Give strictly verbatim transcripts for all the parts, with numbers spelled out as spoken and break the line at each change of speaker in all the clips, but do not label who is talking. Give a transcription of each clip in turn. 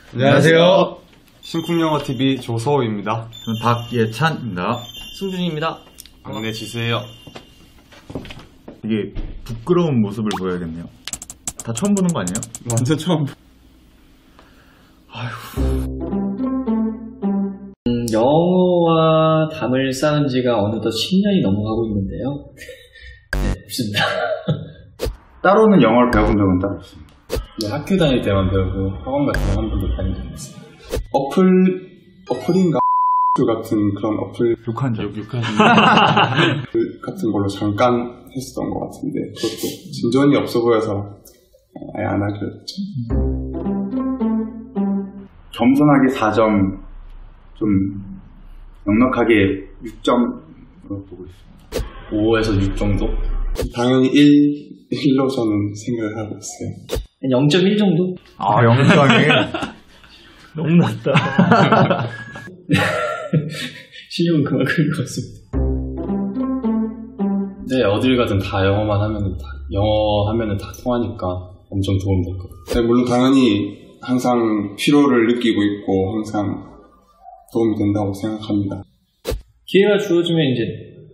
안녕하세요.
신쿵영어티비 조서호입니다.
저는 박예찬입니다.
승준입니다.
막내 지수예요.
이게 부끄러운 모습을 보여야겠네요. 다 처음 보는 거 아니에요?
완전 처음.
아휴.
음, 영어와 담을 쌓은 지가 어느덧 십 년이 넘어가고 있는데요. 네, 없습니다.
따로는 영어를 배워본 적은 따로 없습니다.
네, 학교 다닐 때만 배우고 학원 같은 거 한 번도 다닌 적이 없어요.
어플, 어플인가? 같은 그런 어플
욕한 적.
욕한 같은 걸로 잠깐 했었던 것 같은데 그것도 진전이 없어 보여서 아예 안 하기로 했죠.
겸손하게 사 점, 좀 넉넉하게 육 점으로 보고 있습니다.
오에서 육 정도?
당연히 일, 일로 저는 생각을 하고 있어요.
영 점 일 정도?
아, 영 점이
너무 낮다. 실력은 그만큼 것 같습니다.
네, 어딜 가든 다 영어만 하면 다, 영어 하면은 다 통하니까 엄청 도움 될 것 같아요.
네, 물론 당연히 항상 필요를 느끼고 있고 항상 도움이 된다고 생각합니다.
기회가 주어지면 이제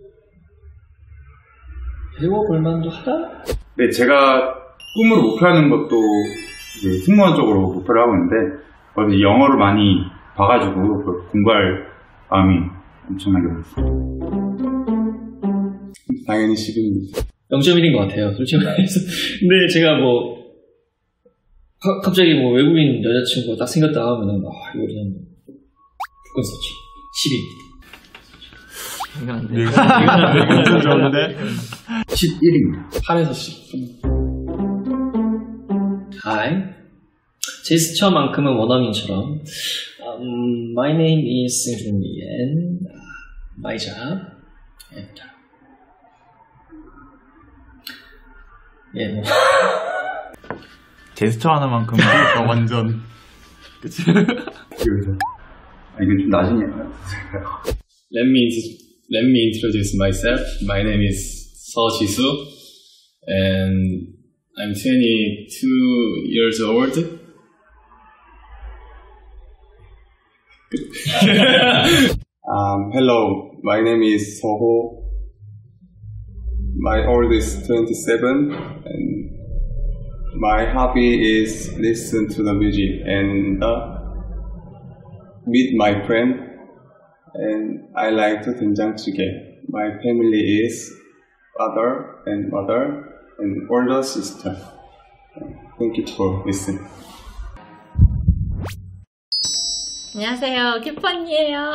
배워볼 만도 하다?
네, 제가 꿈으로 목표하는 것도 이제 승무원 쪽으로 목표를 하고 있는데 어디 영어를 많이 봐가지고 공부할 마음이 엄청나게 많습니다.
당연히 십입니다.
영 점 일인 것 같아요, 솔직히 말해서. 근데 제가 뭐 가, 갑자기 뭐 외국인 여자친구가 딱 생겼다 하면은 아 이거 그냥 무조건 썼지. 십입니다. 이건 안 돼. 이건 안 돼.
엄청 좋은데?
십일입니다.
팔에서 십.
Hi. 제스처만큼은 원어민처럼 um, My name is 승준이 and my job and 예, 뭐
제스처 하나만큼은
완전
그치? 그래서 아, 이건 좀 나중에
Let me, let me introduce myself. My name is 서지수 and I'm twenty-two years old.
um, hello, my name is Soho. My old is twenty-seven and my hobby is listen to the music and uh, meet my friend and I like to 된장찌개. My family is father and mother and older sister. Thank you for listening.
안녕하세요, 키펀이에요.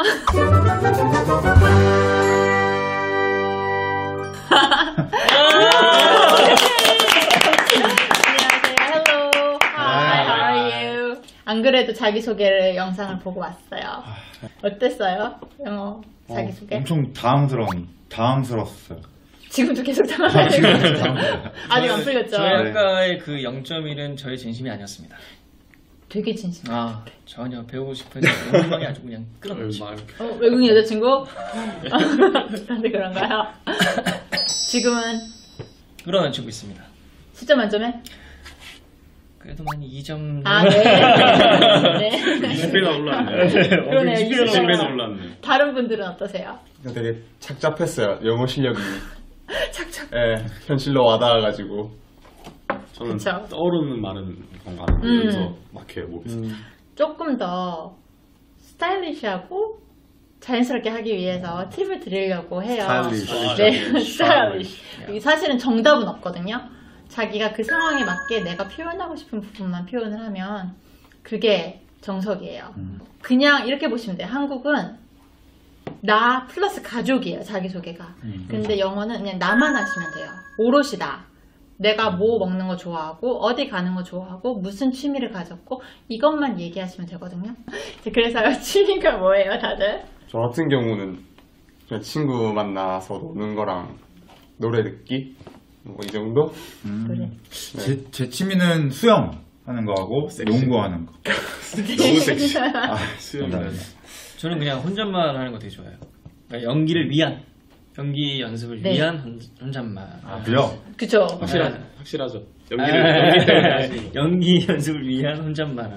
안녕하세요, hello, hi, how are you? 안 그래도 자기소개를 영상을 보고 왔어요. 어땠어요? 영어 자기소개?
어, 엄청 당황스러운, 당황스러웠어요.
지금도 계속 당황하시고 아직 안 풀렸죠?
저희 아까의 그 영 점 일은 저의 진심이 아니었습니다.
되게 진심.
아, 전혀 배우고 싶은 욕망이 아주 그냥 끌어놓지.
어, 외국인 여자친구? 그런데 그런가요? 지금은
끌어놓치고 있습니다.
십 점 만점에?
그래도 한 이 점.
아, 네. 네.
이십 배나 올랐네.
그러네요.
이십 배나 올랐네.
다른 분들은 어떠세요?
되게 착잡했어요. 영어 실력이.
착착.
예, 현실로 와닿아가지고.
저는
그쵸.
떠오르는 말은 뭔가 안
음.
하면서 막 해요, 목에서.
조금 더 스타일리시하고 자연스럽게 하기 위해서 팁을 드리려고 해요.
스타일리시.
네, 스타일리시. 이게 사실은 정답은 없거든요. 자기가 그 상황에 맞게 내가 표현하고 싶은 부분만 표현을 하면 그게 정석이에요.
음.
그냥 이렇게 보시면 돼요. 한국은 나 플러스 가족이에요, 자기소개가.
음,
근데 영어는 그냥 나만 하시면 돼요. 오롯이 나. 내가 뭐 먹는 거 좋아하고 어디 가는 거 좋아하고 무슨 취미를 가졌고 이것만 얘기하시면 되거든요. 그래서 취미가 뭐예요, 다들?
저 같은 경우는 그냥 친구 만나서 노는 거랑 노래 듣기 뭐 이 정도?
음.
그래.
제, 제 취미는 수영 하는 거하고 농구하는 거.
너무 섹시.
아,
수영이네.
저는 그냥 혼잣말 하는 거 되게 좋아해요. 그러니까 연기를 위한, 연기 연습을
네.
위한 혼, 혼잣말.
아, 그래요?
그쵸?
확실하죠. 확실하죠. 연기를 연기 때문에 하시는 거.
연기 연습을 위한 혼잣말.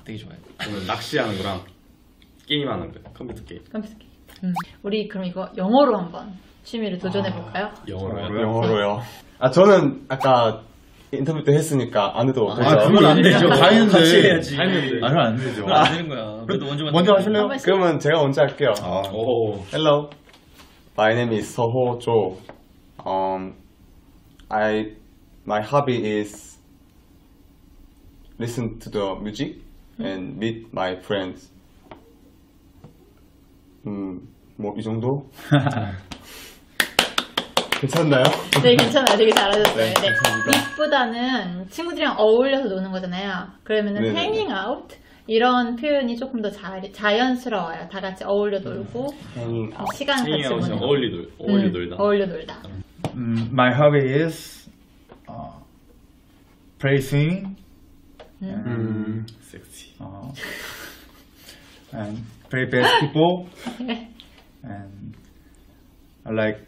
되게 좋아해요.
저는 낚시하는 거랑 게임하는 거, 컴퓨터 게임.
컴퓨터 게임. 음. 우리 그럼 이거 영어로 한번 취미를 도전해 볼까요?
영어로요?
영어로요. 아 저는 아까 인터뷰 때 했으니까 안 해도 되죠?
아, 그건 안 되죠. 다 했는데.
같이 해야지.
다 했는데.
아, 그건 안 되죠.
그건 안 되는 거야. 그래도 먼저
먼저 하실래요?
한 번씩.
그러면 제가 먼저 할게요.
아,
오.
Hello, my name is Seho Jo. Um, I my hobby is listen to the music and meet my friends. 음, 뭐 이 정도? 괜찮나요?
네, 괜찮아요. 되게 잘하셨어요.
네,
네.
감사합니다.
윗보다는 친구들이랑 어울려서 노는 거잖아요. 그러면은
네네.
hanging out 이런 표현이 조금 더 자, 자연스러워요. 다 같이 어울려 놀고
Hanging out.
시간 같이
행잉아웃은
보내고
어울리 놀, 어울리
음,
놀다.
어울려 놀다.
음, my hobby is uh, play swimming
음,
섹시.
uh, and play basketball
네.
and I like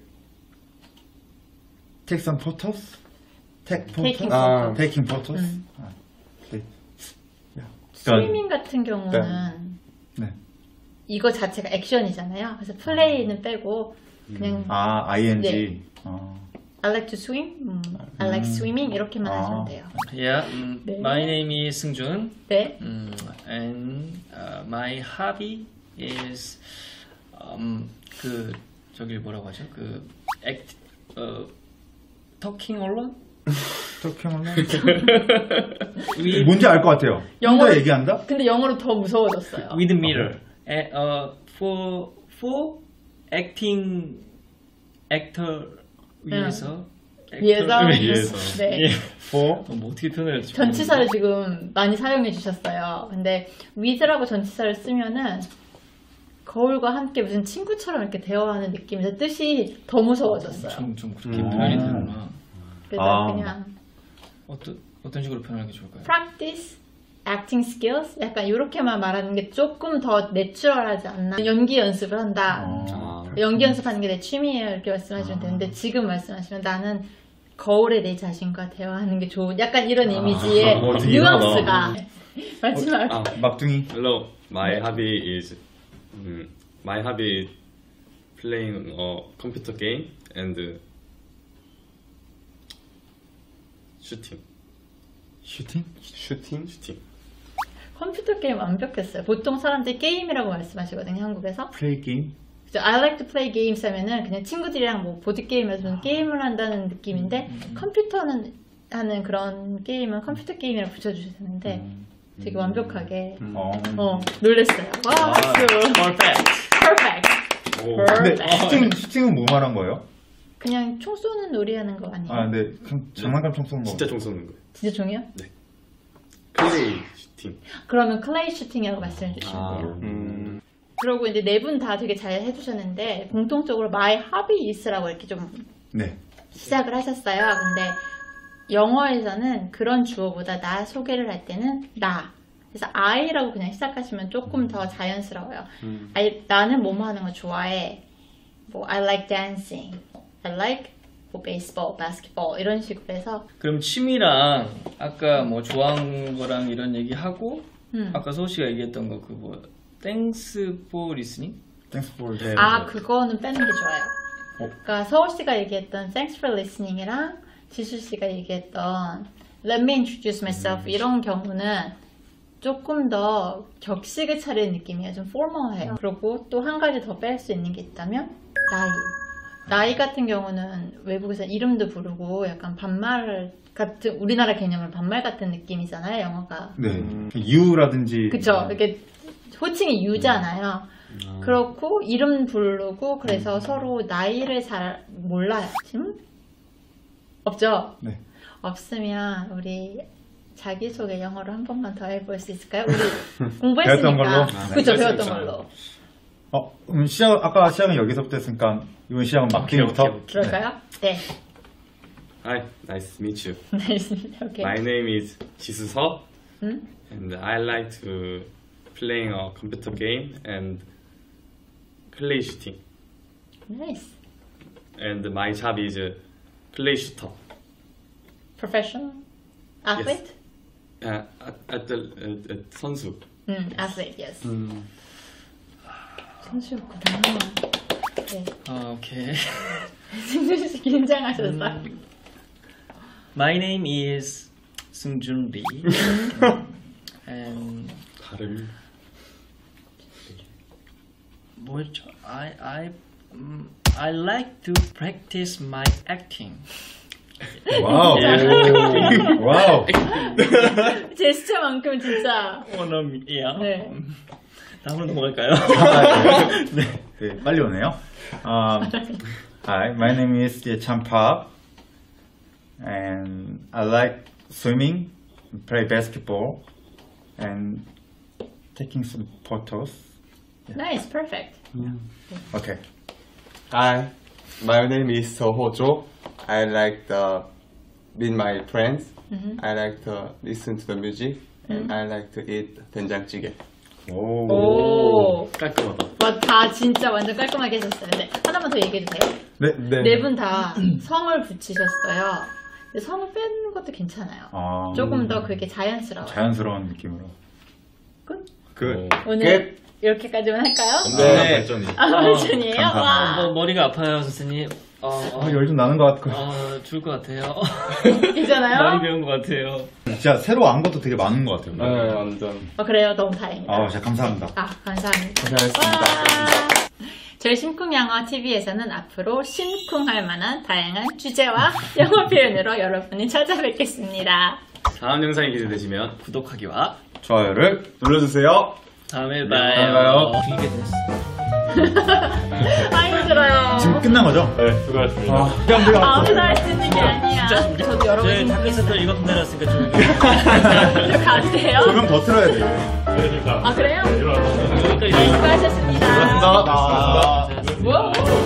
take some photos, take photos,
Taking
아,
photos.
taking photos.
음.
아, 네.
스위밍 같은 경우는
네.
이거 자체가 액션이잖아요. 그래서 플레이는 빼고 그냥
아, ing.
네.
어.
I like to swim, 음, I like swimming 이렇게만
아.
하시면 돼요.
Yeah, 음,
네.
my name is 승준.
네.
음, and uh, my hobby is um, 그 저기 뭐라고 하죠? 그 act, 어, talking alone?
어떻게 하면
with,
뭔지 알 것 같아요.
영어로-
혼자 얘기한다?
근데 영어로 더 무서워졌어요.
with mirror. 에, 어, for for acting actor 위해서
위에서
위에서.
네.
예.
For
어, 뭐 어떻게 표현해야 될지
전치사를 지금 많이 사용해 주셨어요. 근데 with라고 전치사를 쓰면은 거울과 함께 무슨 친구처럼 이렇게 대화하는 느낌에서 뜻이 더 무서워졌어요.
좀, 좀 그렇게
음.
표현이 되는구나.
그래서
아.
그냥
어떤 어떤 식으로 표현하는 게 좋을까요?
practice, acting skills 약간 이렇게만 말하는 게 조금 더 내추럴하지 않나. 연기 연습을 한다.
어.
아.
연기 연습하는 게 내 취미예요 이렇게 말씀하시면 되는데 지금 말씀하시면 나는 거울에 내 자신과 대화하는 게 좋은 약간 이런 이미지의
어, 되게
뉘앙스가 마지막
아,
막둥이.
hello. My hobby is 음, my hobby is playing a computer game and shooting.
슈팅?
슈팅?
shooting.
컴퓨터 게임 완벽했어요. 보통 사람들이 게임이라고 말씀하시거든요 한국에서.
플레이 게임?
그래서 I like to play games 하면은 그냥 친구들이랑 뭐 보드게임에서 무슨 게임을 한다는 느낌인데 컴퓨터는 하는 그런 게임은 컴퓨터 게임이라고 붙여주셔야 되는데 되게 완벽하게
어.
어 놀랬어요. 와 박수.
Perfect.
Perfect.
오.
근데
Perfect.
슈팅, 슈팅은 뭐 말한 거예요?
그냥 총 쏘는 놀이 하는 거 아니에요?
아, 근데 그 장난감 총 쏘는 거.
진짜 총 쏘는 거예요.
진짜 종이요?
플레이 슈팅.
그러면 클레이 슈팅이라고 말씀해 주시면
아.
돼요.
음,
그리고 이제 네 분 다 되게 잘 해주셨는데 공통적으로 my hobby is라고 이렇게 좀
네.
시작을 하셨어요. 근데 영어에서는 그런 주어보다 나 소개를 할 때는 나. 그래서 I라고 그냥 시작하시면 조금 더 자연스러워요.
음.
I, 나는 뭐뭐 하는 거 좋아해. 뭐 I like dancing. I like 뭐 baseball, basketball 이런 식으로 해서
그럼 취미랑 아까 뭐 좋아하는 거랑 이런 얘기 하고
음.
아까 소우 씨가 얘기했던 거 그 뭐 Thanks for listening?
Thanks for the.
아 그거는 빼는 게 좋아요. 그러니까 서울 씨가 얘기했던 Thanks for listening이랑 지수 씨가 얘기했던 Let me introduce myself 이런 경우는 조금 더 격식을 차리는 느낌이에요. 좀 포멀해요. 그리고 또 한 가지 더 뺄 수 있는 게 있다면 나이. 나이 같은 경우는 외국에서 이름도 부르고 약간 반말 같은 우리나라 개념은 반말 같은 느낌이잖아요. 영어가.
네. 유라든지.
그쵸. 이렇게 호칭이 유잖아요. 그렇고 이름 부르고 그래서 서로 나이를 잘 몰라요. 지금? 없죠?
네.
없으면 우리 자기소개 영어로 한 번만 더 해볼 수 있을까요? 우리
배웠던
공부했으니까.
걸로? 아, 네.
그쵸,
할 수
배웠던
있죠.
걸로.
어, 그럼 시작, 아까 시작은 여기서부터 했으니까 이번 시작은 막둥이부터.
오케이, 오케이,
그럴까요? 네.
Hi, nice to meet you.
네. 오케이.
My name is 지수서
음?
and I like to playing a computer game and play shooting.
나이스.
And my job is play shooter.
Professional? Athlete?
uh, at, at the at, at 선수.
음, athlete, yes.
음.
선수였구나. 네.
아, 오케이.
승준 씨 긴장하셨어.
음, My name is 승준 Lee. and
발음.
뭐였죠? I I um, I like to practice my acting.
와우. 와우.
제스처만큼 진짜.
원어민이야.
네.
다음으로 넘어갈까요?
네. 네, 빨리 오네요. Um, hi, my name is Ye-chan Park, and I like swimming, play basketball, and taking some photos.
Nice, perfect.
Okay.
Hi, my name is Soho Jo. I like to meet my friends.
Mm-hmm.
I like to listen to the music. And I like to eat 된장찌개.
오.
오.
깔끔하다.
와, 다 진짜 완전 깔끔하게 해줬어요. 네, 하나만 더 얘기해도 돼요?
네.
네 분 다 성을 붙이셨어요. 근데 성을 빼는 것도 괜찮아요.
아,
조금 더 그게 자연스러워요.
자연스러운 느낌으로.
끝?
Good.
오늘 이렇게까지만 할까요?
네. 발전이.
아, 발전이에요?
감사합니다.
와.
뭐, 머리가 아파요, 선생님. 어, 어,
아, 열 좀 나는 것 같고.
어, 죽을 것 같아요.
괜찮아요?
많이 배운 것 같아요.
진짜 새로 안 것도 되게 많은 것 같아요.
네, 완전.
어, 그래요. 너무 다행이다.
아, 진짜 감사합니다.
아, 감사합니다.
고생하셨습니다.
와. 저희 심쿵영어 티비에서는 앞으로 심쿵할 만한 다양한 주제와 영어 표현으로 여러분을 찾아뵙겠습니다.
다음 영상이 기대되시면
구독하기와
좋아요를 눌러주세요.
다음에
다음에
봐요.
봐요.
이게 됐어.
아, 힘들어요.
지금 끝난 거죠?
네, 수고하셨습니다.
아, 그냥 내가
아무나 할 수 있는 게 아니야. 저도 여러분
저희
심쿵
팟캐스트 이만큼 내놨으니까 좀
저 가도 돼요?
조명 더 틀어야 돼.
네,
아, 그래요?
여기까지.
수고하셨습니다.
감사합니다.
뭐?